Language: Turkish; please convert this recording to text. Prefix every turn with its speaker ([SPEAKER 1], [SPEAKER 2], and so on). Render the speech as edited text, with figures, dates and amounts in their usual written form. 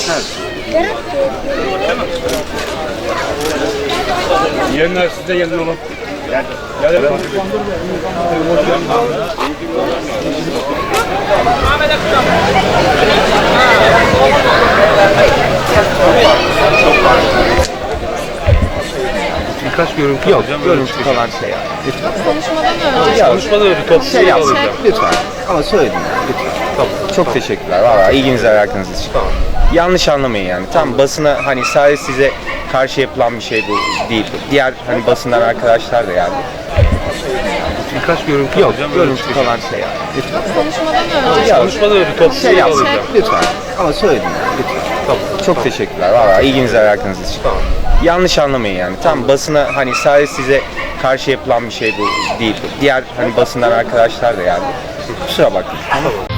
[SPEAKER 1] Yerler size gelin oğlum. Gel. Birkaç görüntü
[SPEAKER 2] Yok,
[SPEAKER 1] alacağım.
[SPEAKER 2] görüntü falan şey yani. Lütfen.
[SPEAKER 3] Konuşmadan önce.
[SPEAKER 1] Konuşmada öyle top
[SPEAKER 2] Şey yapsın.
[SPEAKER 1] alacağım.
[SPEAKER 2] Lütfen. Ama söyledim yani. Lütfen. Tamam. Çok teşekkürler. Valla ilginiz alakanız için. Tamam. Yanlış anlamayın yani. Tam basına hani sadece size karşı yapılan bir şey bu değil. Diğer hani basından arkadaşlar da geldi.
[SPEAKER 1] Birkaç görüntü
[SPEAKER 2] Yok,
[SPEAKER 1] alacağım.
[SPEAKER 2] görüntü falan şey yani. Lütfen.
[SPEAKER 3] Konuşmadan önce.
[SPEAKER 1] Konuşmada öyle top
[SPEAKER 2] Şey yapsın.
[SPEAKER 1] alacağım.
[SPEAKER 2] Lütfen. Ama söyledim yani. Lütfen.
[SPEAKER 1] Tamam.
[SPEAKER 2] Çok teşekkürler. Valla ilginiz alakanız için.
[SPEAKER 1] Tamam.
[SPEAKER 2] Yanlış anlamayın yani. Tam basına hani sadece size karşı yapılan bir şey bu değil. Diğer hani basından arkadaşlar da geldi. Kusura bakmayın.
[SPEAKER 1] Tamam.